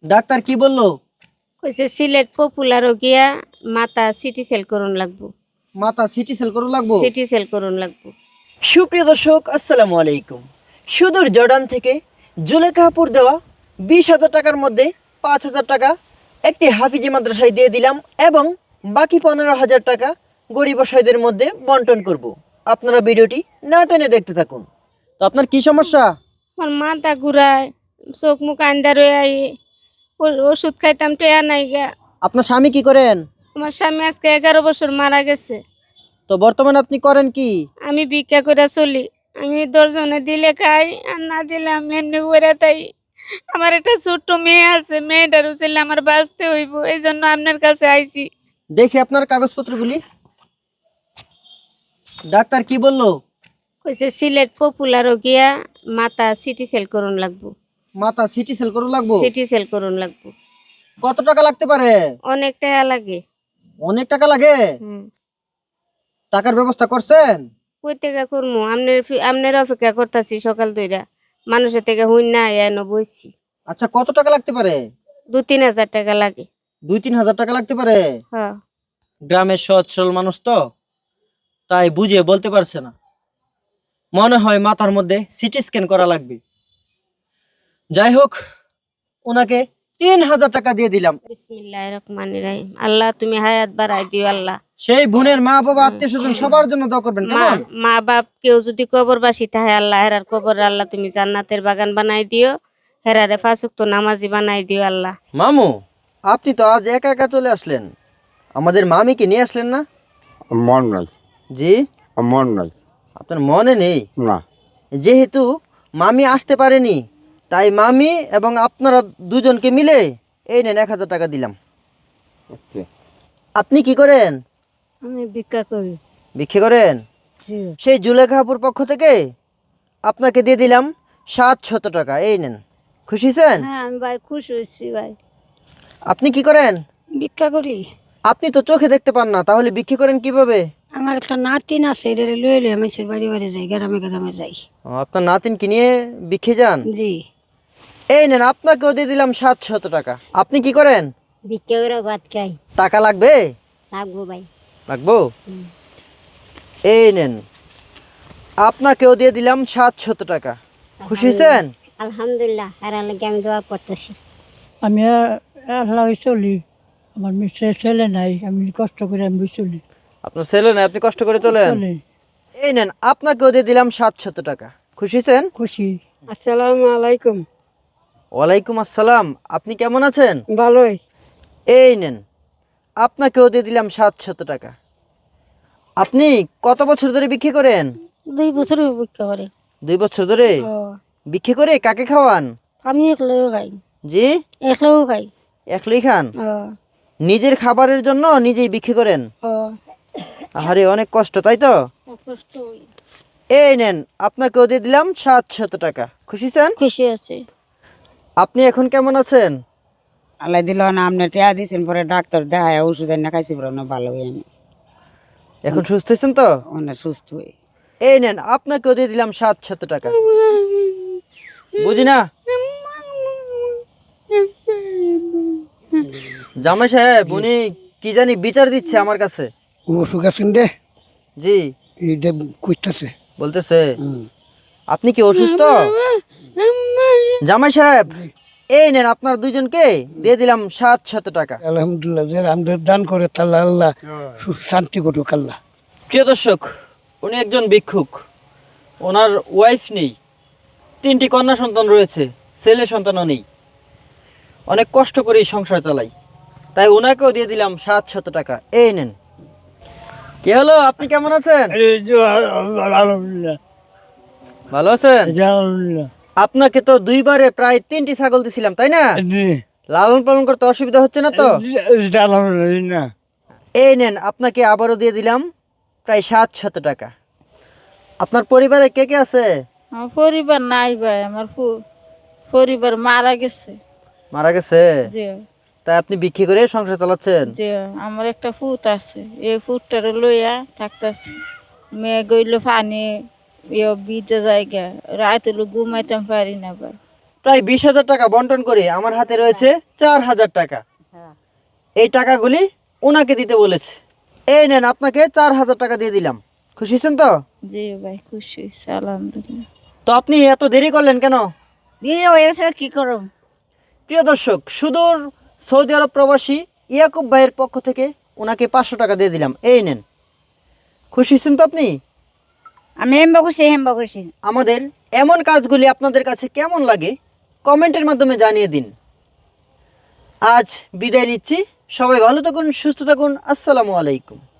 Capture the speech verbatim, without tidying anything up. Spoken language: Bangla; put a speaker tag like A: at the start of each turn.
A: ডাক্তার কি বললো?
B: কইছে সিলেট পপুলার গিয়া মাথা সিটি সেল করুন লাগবো।
A: মাথা সিটি সেল করুন লাগবো।
B: সিটি সেল করুন লাগবো।
A: সুপ্রিয় দর্শক, আসসালামু আলাইকুম। সুদূর জর্ডান থেকে জুলেখাপুর দেওয়া বিশ হাজার টাকার মধ্যে পাঁচ হাজার টাকা একটি হাফিজি মাদ্রাসায় দিয়ে দিলাম এবং বাকি পনেরো হাজার টাকা গরিব অসহায়দের মধ্যে বন্টন করব। আপনারা ভিডিওটি না টেনে দেখতে থাকুন। তো আপনার কি সমস্যা?
B: আমার মাথা ঘুরায়, চোখ মুখ আন্দা রয়ে আই, ওষুধ খাইতাম টেয়া নাই গা।
A: আপনার স্বামী কি করেন?
B: আমার স্বামী আজকে এগারো বছর মারা গেছে।
A: তো বর্তমানে আপনি করেন কি?
B: আমি ভিক্ষা করে চলি। আমি দশজনে দিলে খাই, আর না দিলে আমি এমনি করে তাই। আমার একটা ছোট্ট মেয়ে আছে, মেয়েটার উচিলে আমার বাঁচতে হইব, এই জন্য আপনার কাছে আইছি।
A: দেখি আপনার কাগজপত্রগুলি। ডাক্তার কি বললো?
B: কইছে সিলেট পপুলার গিয়া মাথা সিটি সেল করুন লাগবো।
A: মাথা সিটি সেল করুন লাগবো।
B: সিটি সেল করুন লাগবো।
A: কত টাকা লাগতে পারে?
B: অনেক টাকা লাগে।
A: অনেক টাকা লাগে?
B: হুম।
A: টাকার ব্যবস্থা করছেন?
B: কই থেকে করবো? আপনার আপনার অপেক্ষা করতেছি সকাল দুইটা, মানুষের থেকে হুই না এন বইছি।
A: আচ্ছা, কত টাকা লাগতে পারে?
B: দু তিন হাজার টাকা লাগে।
A: দুই তিন হাজার টাকা লাগতে পারে।
B: হ্যাঁ।
A: গ্রামের সহজ সরল মানুষ তো, তাই বুঝে বলতে পারছে না। মনে হয় মাথার মধ্যে সিটি স্ক্যান করা লাগবে। যাই হোক, ওনাকে তিন হাজার টাকা দিয়ে দিলাম।
B: বিসমিল্লাহির রহমানির রহিম। আল্লাহ তুমি হায়াত বাড়াই দিও আল্লাহ।
A: সেই বোনের মা বাবা আত্মীয় স্বজন সবার জন্য দোয়া করবেন।
B: মা
A: কেমন?
B: মা বাপ কেউ যদি কবরবাসী থাকে, আল্লাহ হেরার কবর আল্লাহ তুমি জান্নাতের বাগান বানাই দিও, হেরারে পাঁচ ওয়াক্ত নামাজি বানাই দিও আল্লাহ।
A: মামু, আপনি তো আজ একা একা চলে আসলেন, আমাদের মামিকে নিয়ে আসলেন না?
C: মন নাই।
A: জি?
C: মন নাই।
A: আপনার মনে নেই?
C: না।
A: যেহেতু মামি আসতে পারেনি, তাই মামি এবং আপনারা দুজনকে মিলে এই নেন এক হাজার টাকা দিলাম। আপনি কি করেন?
B: আমি ভিক্ষা করি।
A: ভিক্ষে করেন? সেই জুলেখাপুর পক্ষ থেকে আপনাকে দিয়ে দিলাম সাতশত টাকা। এই নেন, খুশি হয়েছেন?
B: হ্যাঁ আমি ভাই খুশি হয়েছি ভাই।
A: আপনি কি করেন?
B: ভিক্ষা করি।
A: আপনি তো চোখে দেখতে পান না, তাহলে ভিক্ষে করেন কিভাবে?
B: আমার একটা নাতিন আছে, এটা লয়ে লয়ে আমি বাড়ি বাড়ি যাই, গ্রামে গ্রামে যাই।
A: ও, আপনার নাতিনকে নিয়ে ভিক্ষে যান?
B: জি।
A: এই নেন, আপনাকেও দিয়ে দিলাম সাতশত টাকা। আপনি কি করেন?
B: ভিক্ষা করে ভাত খাই।
A: টাকা লাগবে?
B: লাগবো ভাই।
A: লাগবো? এই নেন, আপনাকেও দিয়ে দিলাম সাতশত টাকা। খুশি হয়েছেন?
B: আলহামদুলিল্লাহ, আর লাগে আমি দোয়া করতেছি।
D: আমি একলা চলি, আমার মিস্ত্রি ছেলে নাই, আমি কষ্ট করে আমি চলি
A: আপনার ছেলে নাই, আপনি কষ্ট করে চলেন?
D: চলি।
A: এই নেন, আপনাকেও দিয়ে দিলাম সাতশত টাকা। খুশি হয়েছেন?
D: খুশি।
B: আসসালামু আলাইকুম।
A: ওয়ালাইকুম আসসালাম। আপনি কেমন আছেন?
B: ভালোই।
A: এই নেন, আপনাকেও দিয়ে দিলাম সাতশত টাকা। আপনি কত বছর ধরে ভিক্ষে করেন?
B: দুই বছর ভিক্ষা করে।
A: দুই বছর ধরে ভিক্ষে করে কাকে খাওয়ান?
B: আমি একলাও খাই।
A: জি?
B: একলাও খাই।
A: একলাই খান? নিজের খাবারের জন্য নিজেই ভিক্ষে করেন? আরে অনেক কষ্ট, তাই তো? এই নেন, আপনাকেও দিয়ে দিলাম সাতশত টাকা। খুশি আছেন?
B: খুশি আছে।
A: আপনি এখন কেমন আছেন?
E: আল্লাহ দিল না, আপনি টিয়া দিয়েছেন, পরে ডাক্তার দেখায় ওষুধ এনে খাইছি, পরে না ভালো হই আমি,
A: এখন সুস্থ হয়েছেন তো?
E: অনেক সুস্থ হই।
A: এই নেন, আপনাকেও দিয়ে দিলাম সাতশত টাকা। বুঝি না জামাই সাহেব, উনি কি জানি বিচার দিচ্ছে আমার কাছে।
F: অসুখ আছেন রে,
A: জি
F: এইটা কইতাছে।
A: বলতেছে আপনি কি অসুস্থ? জামাই সাহেব, এই নেন, আপনার দুইজনকে দিয়ে দিলাম সাতশত টাকা।
F: আলহামদুলিল্লাহ, যে আমাদের দান করে তাল্লা আল্লাহ সুখ শান্তি করুক আল্লাহ।
A: প্রিয় দর্শক, উনি একজন ভিক্ষুক, ওনার ওয়াইফ নেই, তিনটি কন্যা সন্তান রয়েছে, ছেলে সন্তানও নেই, অনেক কষ্ট করে এই সংসার চালাই, তাই ওনাকেও দিয়ে দিলাম সাতশত টাকা। এই নেন। কি হলো, আপনি কেমন আছেন?
D: আলহামদুলিল্লাহ।
A: ভালো আছেন?
D: আলহামদুলিল্লাহ।
A: আপনাকে তো দুইবারে প্রায় তিনটি ছাগল দিছিলাম, তাই না? লালন পালন করতে অসুবিধা হচ্ছে না তো?
D: আলহামদুলিল্লাহ।
A: এই নেন, আপনাকে আবারও দিয়ে দিলাম প্রায় সাতশত টাকা। আপনার পরিবারে কে কে আছে?
G: আমার পরিবার নাই ভাই, আমার পরিবার মারা গেছে।
A: মারা গেছে?
G: জি।
A: তাই আপনি বিক্রি করে সংসার চালাচ্ছেন?
G: জি, আমার একটা ফুট আছে, এই ফুটটারে লইয়া থাকতেছে। মেয়ে গইল পানি ভিজে জায়গা, রাত হলো ঘুমাইতাম পারি না ভাই।
A: প্রায় বিশ হাজার টাকা বন্টন করে আমার হাতে রয়েছে চার হাজার টাকা। এই টাকাগুলি ওনাকে দিতে বলেছে। এই নেন, আপনাকে চার হাজার টাকা দিয়ে দিলাম। খুশি হয়েছেন তো?
G: জি ভাই, খুশি হয়েছে আলহামদুলিল্লাহ।
A: তো আপনি এত দেরি করলেন কেন?
G: দিয়ে হয়েছে কি করব।
A: প্রিয় দর্শক, সুদূর সৌদি আরব প্রবাসী ইয়াকুব ভাইয়ের পক্ষ থেকে ওনাকে পাঁচশো টাকা দিয়ে দিলাম। এই নেন। খুশি হয়েছেন তো আপনি?
G: আমি হেম্বা খুশি, হেম্বা খুশি।
A: আমাদের এমন কাজগুলি আপনাদের কাছে কেমন লাগে কমেন্টের মাধ্যমে জানিয়ে দিন। আজ বিদায় নিচ্ছি। সবাই ভালো থাকুন, সুস্থ থাকুন। আসসালামু আলাইকুম।